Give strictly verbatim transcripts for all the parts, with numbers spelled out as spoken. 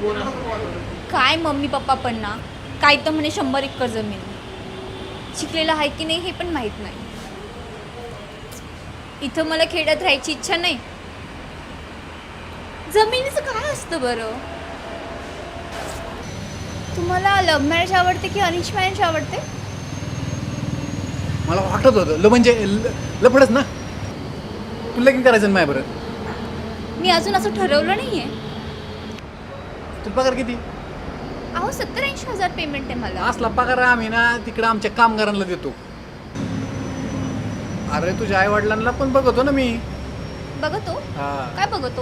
काय mummy papa पण ना काय तर म्हणे शंभर एकर जमीन शिकलेलं आहे की नाही हे पण माहीत नाही. इथं मला खेड्यात राहायची इच्छा नाही. जमिनीचं काय असतं बरं? तुम्हाला लव्ह मॅरेज आवडते की अरेंज मॅरेज आवडते? मला वाटत होतं ल म्हणजे ल- लफडच ना. तुला लगीन करायचं नाही बरं. मी अजून असं ठरवलं नाहीये. तुला पगार किती? अहो सत्तर ऐंशी हजार पेमेंट आहे मला. असला पगार आम्ही ना तिकडं आमच्या कामगारांना देतो. अरे तुझ्या आई वडिलांना पण बघतो ना मी. बघतो? हा. काय बघतो?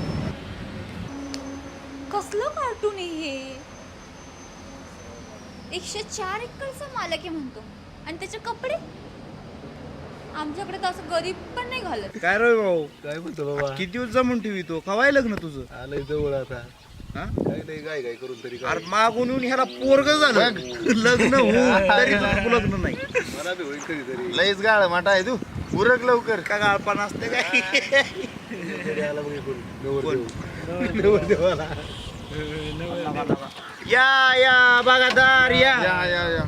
कसलं कार्टून आहे हे? एकशे चार एकरचा मालक आहे म्हणतो आणि त्याचे कपडे आमच्याकडे तर असं गरीब पण नाही घालत. काय रे भाऊ, काय म्हणतो बाबा? किती दिवस जमून ठेवी तो कवाय लग्न तुझं? आलंय जवळ आता. हा? काय नाही गाय गाय करून तरी काय. अरे मागून येऊन ह्याला पोरग झालं लग्न होऊन तरी तुझं लग्न नाही. मला बी होईल कधीतरी. लईच गाळ माटा आहे तू उरक लवकर. का गाळपण असते काय? घरी आला मग इकडून. नवरदेव. नवरदेवाला. या या बागादार या या या या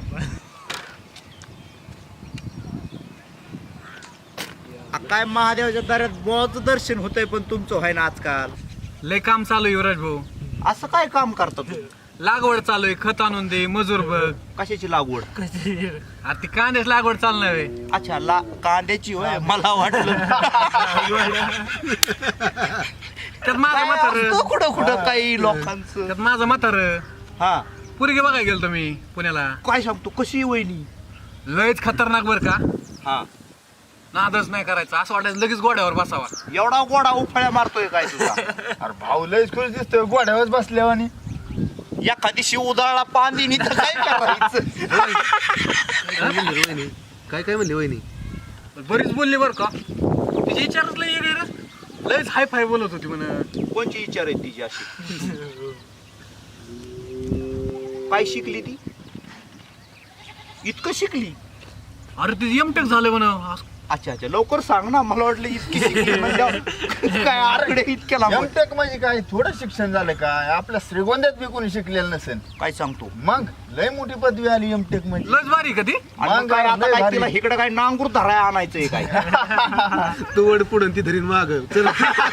आ, काय महादेवाच्या दारात बोळाचं दर्शन होतंय पण तुमचं व्हाय ना आजकाल. लय काम चालू आहे युवराज भाऊ. असं काय काम करता तू? लागवड चालू आहे. खत आणून दे, मजूर बघ. कशाची लागवड? अरे ती कांद्याच लागवड चालणार आहे. अच्छा ला कांद्याची होय मला वाटलं त्यात माझं काय म्हातार असतं कुठं कुठं काही लोकांचं. त्यात माझं म्हातार हा पुरगे बघायला गेलतो मी पुण्याला. काय सांगतो कशी वहिनी? लयच खतरनाक बर का. हा नादच नाही करायचा. असं वाटायचं लगेच गोड्यावर बसावा. एवढा गोडा उफाळ्या मारतोय काय तुझा? अरे भाऊ लईच खुश दिसतोय गोड्यावर बसल्यावानी. एखादी शिव उदाळा पांदिनी तर काय करायचं? काय म्हणली वहिनी? काय काय म्हणली वहिनी? बरीच बोलली बर का. तिच्या विचारात लय येडे रे. लयच हाय फाय बोलत होती म्हण. कोणची विचार आहे तिची अशी? काय शिकली ती? इतकं शिकली? अरे ती एमटेक झालं म्हण. अच्छा अच्छा लवकर सांग ना, मला वाटलं इतकी शिकली म्हणल्यावर काय आरकडे इतक्या लांब. एमटेक म्हणजे काय थोडं शिक्षण झालं काय? आपल्या श्रीगोंद्यात बी कोणी शिकलेलं नसेल. काय सांगतो? मग लय मोठी पदवी आली एमटेक म्हणजे. लयच भारी का ती. आणि मग काय आता लय काय भारी. तिला इकडे काय नांगूर धराय आणायचंय काय? तू वड पुढून ती धरीन माग. चल.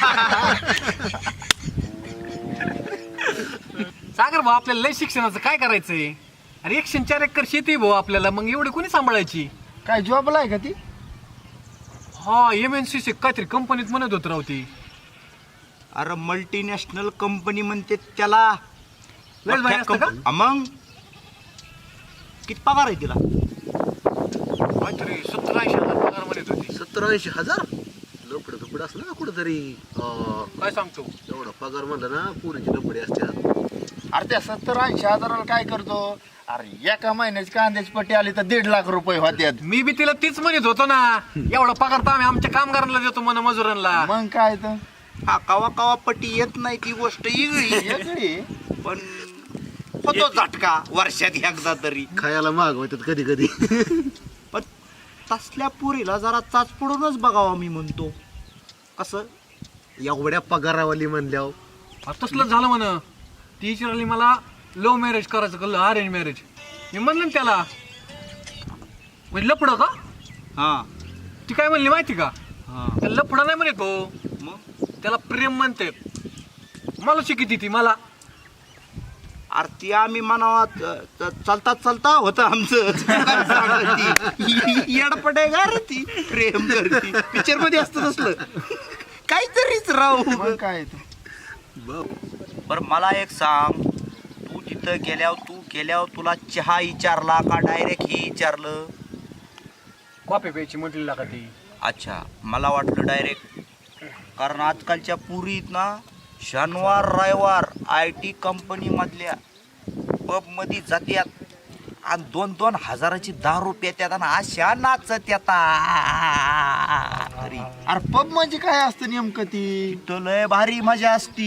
सागर भाऊ आपल्याला लय शिक्षणाचं काय करायचंय? अरे एकशे चार एकर शेती भाऊ आपल्याला. मग एवढी कोणी सांभाळायची? काय जॉबला आहे का ती? हा एम एन सी सी काहीतरी कंपनीत म्हणत होत राव ती. अरे मल्टीनॅशनल कंपनी म्हणते त्याला. लयच भारी असतं का? हा, मग किती पगार आहे तिला? काहीतरी सत्तर ऐंशी हजार पगार म्हणत होती. सत्तर ऐंशी हजार लपड दुपड असलं ना कुठंतरी. अं, काय सांगतो? एवढा पगार म्हणलं ना पुरीची लपडी असतात. अरे त्या सत्तर ऐंशी हजाराला काय करतो? अरे एका महिन्याची कांद्याची पट्टी आली तर दीड लाख रुपये होत्यात. मी बी तिला तीच म्हणत होतो ना. एवढा पगार तर आम्ही आमच्या कामगारांना देतो म्हण, मजुरांना. मग काय तर हा कवा कवा पट्टी येत नाही ती गोष्ट वेगळी. वेगळी. पण होतो झटका वर्षात एकदा तरी. खायला मागवतात कधी कधी. पण तसल्या पुरीला जरा चाच पडूनच बघावा मी म्हणतो. कसं एवढ्या पगारावाली म्हणल्यावर. अरे तसलंच झालं म्हण. ती विचारली मला लव्ह मॅरेज करायचं का अरेंज मॅरेज. मी म्हणलं ना त्याला म्हणजे लपडं का. हा ती काय म्हणली माहिती का? हा त्याला लपडं नाही म्हणत भाऊ. मग त्याला प्रेम म्हणते. मला शिकिती ती मला. आरती आम्ही म्हणावा च- चालता चालता होतं आमचं. येडपटे का रे ती प्रेम करती. पिक्चर मध्ये असतं तसलं काहीतरीच राहू. मग काय तर. बर मला एक सांग, तू तिथं गेल्यावर तू गेल्यावर तुला चहा विचारला का डायरेक्ट ही विचारलं? कॉफी प्यायची म्हटली का ती. अच्छा मला वाटलं डायरेक्ट. कारण आजकालच्या पुरीत ना शनिवार रविवार आय टी कंपनी मधल्या पब मध्ये जात्यात आणि दोन दोन हजाराची दारू पेत्यात आणि अशा नाचत येतात. अरे पब म्हणजे काय असतं नेमकं ती? तो लय भारी मजा असती.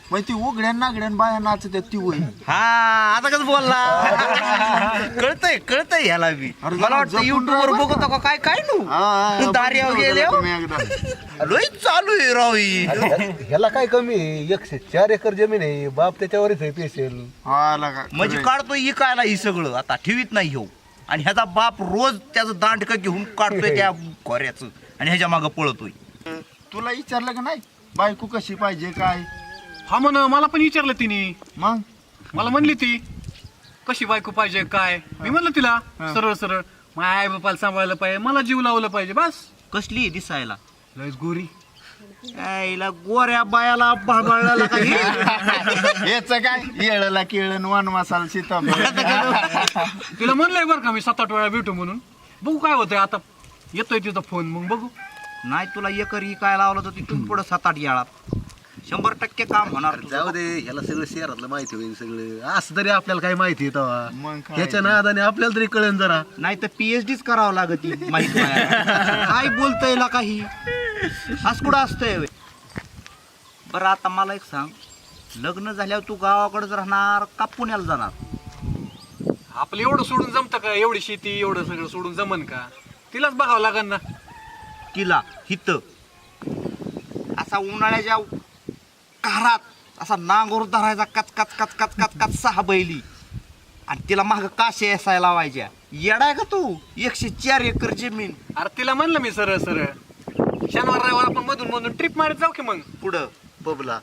मग ती उघड्या नागड्यान बाया नाचत ती वय हा आता कसं बोलला कळतंय कळतंय ह्याला बी अरे मला वाटतं जपून युट्यूब वर राहा बघतो का काय काय नू दार्यावर गेले लय चालू आहे राव ही. ह्याला काय कमी आहे एकशे चार एकर जमीन आहे बाप त्याच्यावरच आहे पेशल म्हणजे काढतोय इकायला ही सगळं आता ठेवीत नाही ह्यो आणि ह्याचा बाप रोज त्याचं दांडकं घेऊन काढतोय त्या खोऱ्याचं आणि ह्याच्या मागं पळतोय. तुला विचारलं का नाही बायको कशी पाहिजे काय हा म्हण मला पण विचारलं तिने मग मला म्हणली ती कशी बायको पाहिजे काय मी म्हणलं तिला सरळ सरळ माझ्या आई बापाला सांभाळलं पाहिजे मला जीव लावलं पाहिजे बस. कसली आहे दिसायला लयच गोरी यायला गोऱ्या बायाला बळबळला काही याच काय येळला केळण वान मसाला सीताफळ तिला म्हणलंय बरं का मी सात आठ वेळा भेटू म्हणून बघू काय होतंय आता येतोय तिचा फोन मग बघू. नाही तुला एकर काय लावलं तर तिथून पुढे सात आठ याळात शंभर टक्के काम होणार तुझं. जाऊ दे ह्याला सगळं शहरातलं माहिती होईल सगळं असं तरी आपल्याला काय माहिती आहे तेव्हा मग काय? ह्याच्या नादाने आपल्याला तरी कळेल जरा. नाही तर पीएचडीच करावं लागत माहिती काय बोलतय ला काही असं कुठं असतंय व्हय? बरं आता मला एक सांग लग्न झाल्यावर तू गावाकडेच राहणार का पुण्याला जाणार? आपलं एवढं सोडून जमतं का एवढी शेती एवढं सगळं सोडून जमन का तिलाच बघावं लागेल ना. तिला हित असा उन्हाळ्याच्या कारात असा नांगोर धरायचा कच कच कच कच कच कच सहा बैली आणि तिला माग काशे असायला लावायच्या. येडाय का तू एकशे चार एकर जमीन. अरे तिला म्हणलं मी सरळ सरळ शनिवार रविवार आपण मधून मधून ट्रिप मारत जाऊ की मग पुढं बबला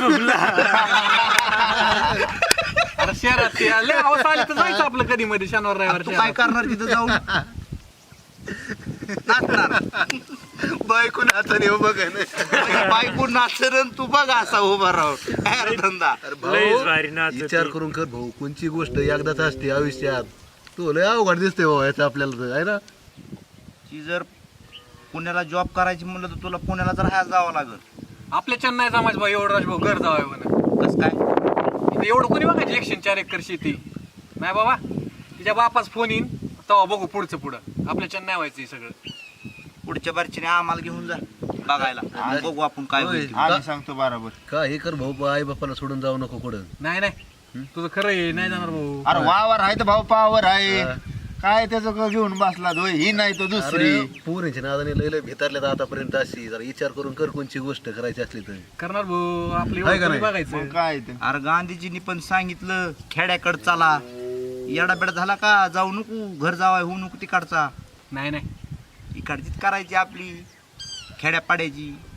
अरे शहरात ते लय हौस आली तर जायचं आपलं कधी मध्ये शनिवार रविवार तू काय शहरात. करणार तिथं जाऊन नाचणार बायको नाचणे बघ बायको नाचरण तू बघ असा उभा राहून काय रे धंदा. विचार करून कर भाऊ कोणची गोष्ट एकदाच असते आयुष्यात. तो लय अवघड दिसते भाऊ याचं आपल्याला तर आहे ना. ती जर पुण्याला जॉब करायची म्हणलं तर तुला पुण्याला तर राहायला जावं लागल. आपल्या चेन्नई जमायचं भाऊ एवढं राजभाऊ घर जावं म्हणा कस काय इथं एवढं कोणी बघायची एकशे चार एकर शेती नाही बाबा तिच्या बापाच फोन येईन तेव्हा बघू पुढचं पुढं आपल्या चेन्नई व्हायचं हे सगळं. पुढच्या बारचीने आम्हाला घेऊन जा बघायला मग बघू आपण काय होय. होईल. आम्ही सांगतो बरोबर. का हे कर भाऊ आई बापाला सोडून जाऊ नको कुठं. नाही नाही तुझं खरं आहे नाही जाणार भाऊ. अरे वावर आहे तर भाऊ पावर आहे हा. काय त्याचं का घेऊन बसला दोय ही नाही तो दुसरी. अरे पोरींच्या नादाने लय लय भितारल्यात आतापर्यंत अशी जरा विचार करून कर कोणची गोष्ट करायची असली तर. करणार भाऊ आपली आहे का एवढं नाही? मग बघायचं काय ते अरे गांधीजींनी पण सांगितलं खेड्याकडे चला येडाबेडा झाला का जाऊ नको घर जावाय होऊ नको तिकडचा नाही नाही इकडचीच करायची आपली खेड्यापाड्याची.